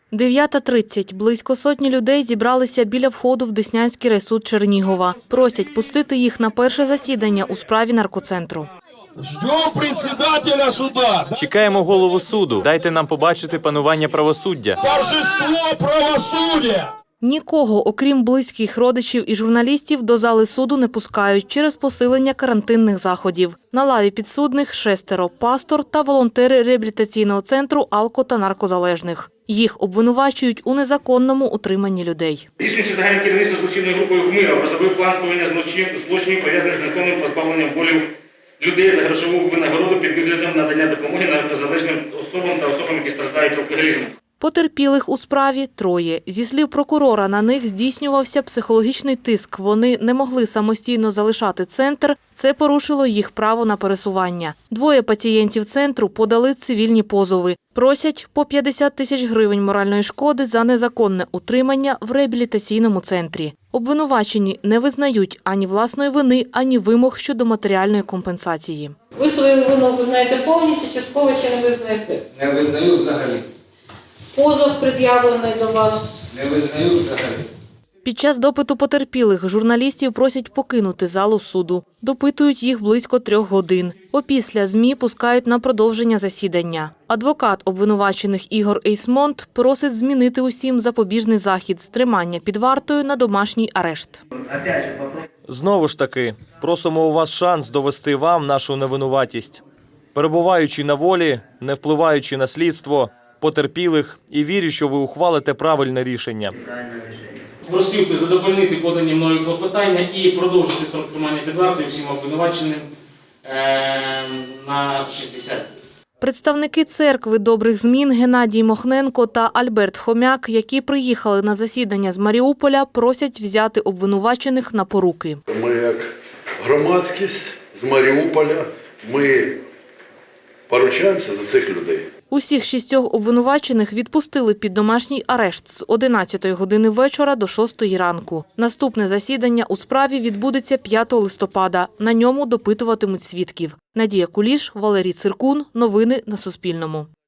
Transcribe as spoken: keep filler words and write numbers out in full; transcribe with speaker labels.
Speaker 1: дев'ята тридцять. Близько сотні людей зібралися біля входу в Деснянський райсуд Чернігова. Просять пустити їх на перше засідання у справі наркоцентру.
Speaker 2: Ждем председателя суда.
Speaker 3: Чекаємо голову суду. Дайте нам побачити панування правосуддя.
Speaker 2: Торжество правосуддя.
Speaker 1: Нікого, окрім близьких родичів і журналістів, до зали суду не пускають через посилення карантинних заходів. На лаві підсудних шестеро – пастор та волонтери реабілітаційного центру алко- та наркозалежних. Їх обвинувачують у незаконному утриманні людей.
Speaker 4: Здійснюючи загальне керівництво злочинною групою «Хмира», розробив план скоєння злочинів, пов'язаних з незаконним позбавленням волі людей за грошову винагороду під виглядом надання допомоги наркозалежним особам та особам, які страждають алкоголізмом.
Speaker 1: Потерпілих у справі троє. Зі слів прокурора, на них здійснювався психологічний тиск. Вони не могли самостійно залишати центр. Це порушило їх право на пересування. Двоє пацієнтів центру подали цивільні позови. Просять по п'ятдесят тисяч гривень моральної шкоди за незаконне утримання в реабілітаційному центрі. Обвинувачені не визнають ані власної вини, ані вимог щодо матеріальної компенсації.
Speaker 5: Ви свою вину визнаєте повністю, частково ще не визнаєте?
Speaker 6: Не визнаю взагалі.
Speaker 5: Позов пред'явлений до вас?
Speaker 6: Не визнаю взагалі.
Speaker 1: Під час допиту потерпілих журналістів просять покинути залу суду. Допитують їх близько трьох годин. Опісля ЗМІ пускають на продовження засідання. Адвокат обвинувачених Ігор Ейсмонт просить змінити усім запобіжний захід з тримання під вартою на домашній арешт.
Speaker 3: Знову ж таки, просимо у вас шанс довести вам нашу невинуватість. Перебуваючи на волі, не впливаючи на слідство, потерпілих і вірю, що ви ухвалите правильне рішення.
Speaker 4: Просив би задовольнити подані мною клопотання і продовжити строк тримання під вартою всім обвинуваченим е на шістдесят днів.
Speaker 1: Представники церкви добрих змін Геннадій Мохненко та Альберт Хомяк, які приїхали на засідання з Маріуполя, просять взяти обвинувачених на поруки.
Speaker 7: Ми як громадськість з Маріуполя, ми поручаємося за цих людей.
Speaker 1: Усіх шістьох обвинувачених відпустили під домашній арешт з одинадцятої години вечора до шостої ранку. Наступне засідання у справі відбудеться п'ятого листопада. На ньому допитуватимуть свідків. Надія Куліш, Валерій Циркун. Новини на Суспільному.